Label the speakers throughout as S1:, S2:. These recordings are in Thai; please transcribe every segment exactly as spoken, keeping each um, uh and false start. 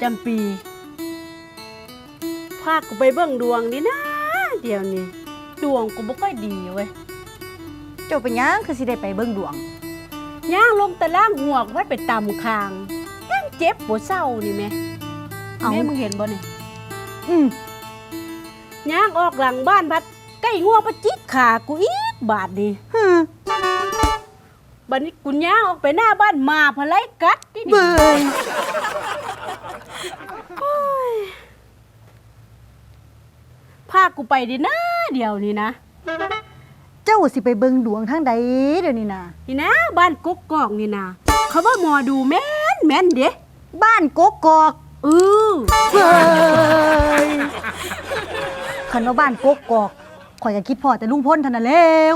S1: จำปีพากูไปเบิ่งดวงนี่นะเดี๋ยวนี้ดวงกูบ่ค่อยดีเว้ย
S2: เจ้าเป็นหยังคือสิได้ไปเบิ่งดวง
S1: ย่างลงตะล่างหัวกไว้ไปตำคางยังเจ็บปวดเศร้านี่แม่แม่มึงเห็นบ่นี่
S2: อืม
S1: ย่างออกหลังบ้านพัดใกล้งัวประจิกขากูอีกบาดนี่
S2: ฮึ
S1: บัดนี้กูย่างออกไปหน้าบ้านมาพะไลกัดนี่
S2: เบิ่ง
S1: พากูไปดินะเดี๋ยวนี้นะ
S2: เจ้าสิไปเบิ่งดวงทางใดเดี๋ยวนี้นะ
S1: นี่นะบ้านกกกอกนี่นะเขาว่าหมอดูแม่นแม่นเด้
S2: บ้านกกกอก
S1: เออ
S2: เฮ้ยคันว่าบ้านกกกอกข่อยก็คิดพอแต่ลุงพ้นเท่านั้นแล้ว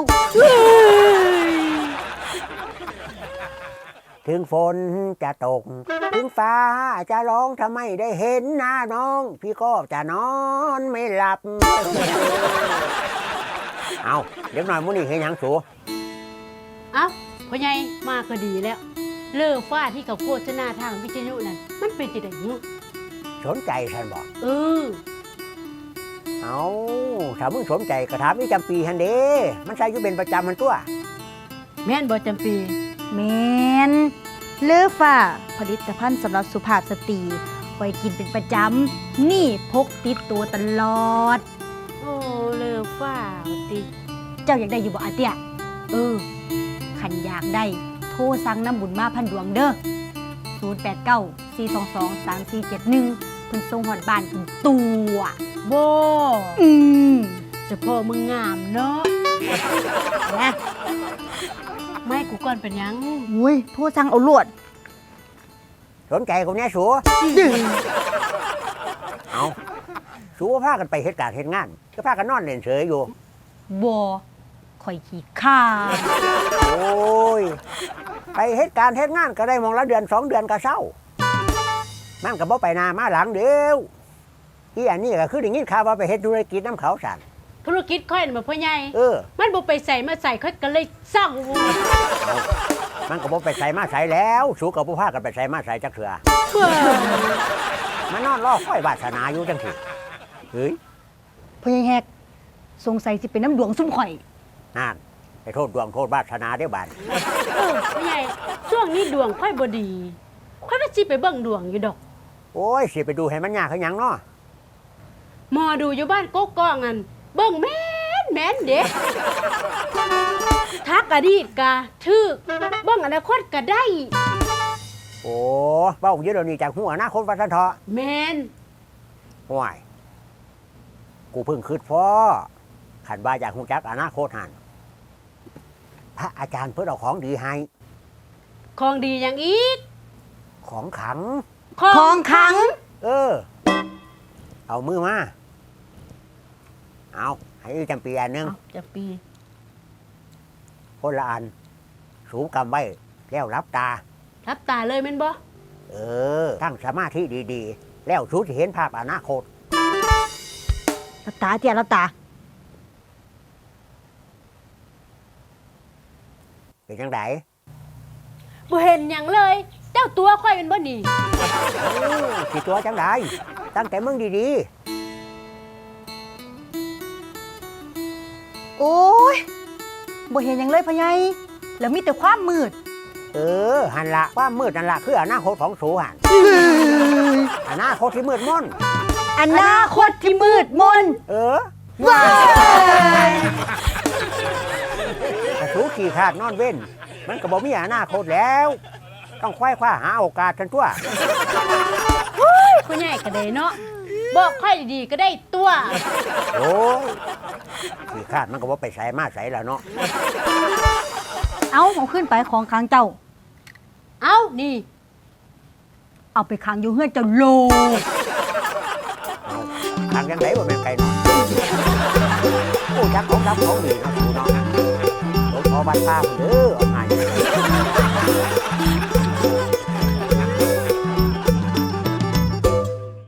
S3: ถึงฝนจะตกถึงฟ้าจะร้องทำไมได้เห็นหน้าน้องพี่ก็จะนอนไม่หลับเอาเดี๋ยวหน่อยมื้อนี้เห็นหยังสู
S1: เอ้าพ่อใหญ่มาก็ดีแล้วเลิกฟ้าที่เขาโฆษณาทางวิทยุนั่นมันเป็นจังได๋หู
S3: สนใจฉันบอก
S1: เออ
S3: เอาถ้ามึงสนใจก็ถามอีจำปีหั่นเด้มันใช้อยู่เป็นประจำมันตัว
S1: แม่นบ่จำปี
S2: แม่นเลือฟ้าผลิตภัณฑ์สำหรับสุภาพสตรีไว้กินเป็นประจำนี่พกติดตัวตลอด
S1: โอ้เลิกฟ้าติ
S2: เจ้าอยากได้อยู่บ่อาเตี้ย
S1: เออ
S2: คันอยากได้โทรสั่งน้ำบุญมาพันดวงเด้อศูนย์ แปด เก้า สี่ สอง สอง สาม สี่ เจ็ด หนึ่งเพิ่นส่งฮอดบ้านถึงตัว
S1: บ่
S2: อืม
S1: เฉพาะมึงงามเนาะนะไม่กูก่อนเป็นยัง
S2: อุ้ยโทรสั่งเอาลวด
S3: สนใจกูแน่สูเอาสูพากันไปเฮ็ดการเฮ็ดงานก็พากันนอนเล่นเฉยอยู่
S2: บ่ข่อยขี้ข้า
S3: โอ้ยไปเฮ็ดการเฮ็ดงานก็ได้มองละเดือนสองเดือนก็เศร้ามันก็บ่ไปนามาหลังเดียวอีอันนี้ก็คือได้ยินข่าวว่าไปเฮ็ดธุรกิจน้ำเขาสั่น
S1: ธุรกิจค่อยน่ะพ่อใหญ่
S3: เออ
S1: มันบ่ไปใส่มาใส่ค่อยก็เลยเศร้า
S3: มันก็บ่ไปใส่มาใส่แล้วสูกับบ่พากันไปใส่มาใส่จักเถื่อมานอนรอคอยวาสนาอยู่จังซี่เฮ้ย
S2: พ่อใหญ่แฮกสงสัยสิเป็นน้ำดวงซุ่มข่อย
S3: นั่นไปโทษดวงโทษวาสนาเด้อบาด
S1: เออพ่อใหญ่ช่วงนี้ดวงค่อยบ่ดีค่อยว่าสิไปเบิ่งดวงอยู่ดอก
S3: โอ้ยสิไปดูให้มันยากคือหยังเนาะ
S1: หมอดูอยู่บ้านกกอกนั่นเบิ่งแม่นแม่นเด้ทักอดีตกะถึกเบิ่งอนาคตก็ได้
S3: โอ้เว้าอยู่เดี๋ยวนี้จากหัวอนาคตว่าซั่นเถาะ
S1: แม่น
S3: ห่วยกูเพิ่งคิดพ้อขันว่าอยากฮู้จักอนาคตหั่นพระอาจารย์เพิ่นเอาของดีให้
S1: ของดีหยังอีก
S3: ของขัง
S2: ของขัง
S3: เออเอามือมาเอาให้จำปีอันนึง
S1: จำปี
S3: คนละอันสูงกำไว้แล้วรับตา
S1: รับตาเลยแม่นบ่
S3: เออตั้งสมาธิดีๆแล้วสูจะเห็นภาพอนาคต
S2: รับตาเตี้ยรับตา
S3: เป็นจังได
S1: บ่เห็นหยังเลยเจ้าตัวค่อยเป็นบ่นี่
S3: สิตัวจังไดตั้งแต่มึงดีๆ
S2: โอ้ยบ่เห็นหยังเลยพ่อใหญ่แล้วมีแต่ความมืด
S3: เออหันละความมืดนั่นละคืออนาคตของสูหันอนาคตที่มืดมน
S2: อนาคตที่มืดมน
S3: เออ
S2: ว้าย
S3: แต่สูขี่ขาดนอนเว้นมันก็บ่มีอนาคตแล้วต้องควายคว้าหาโอกาสทันตัว
S1: พ่อใหญ่ก็ได้เนาะบอกค่อยดีก็ได้ตัว
S3: โอ้ยขี่ขาดมันก็บ่ไปใส่มาใส่แล้วเนาะ
S2: เอาเอาขึ้นไปของค้างเจ้า
S1: เอานี่
S2: เอาไปค้างอยู่เฮือนเจ้าโล
S3: เอาค้างยังไงบ่แม่นไก่นอนโอ้จักของรับของดีเนาะสูเนาะหลวงพ่อบ้านป้าเด้อเอาให้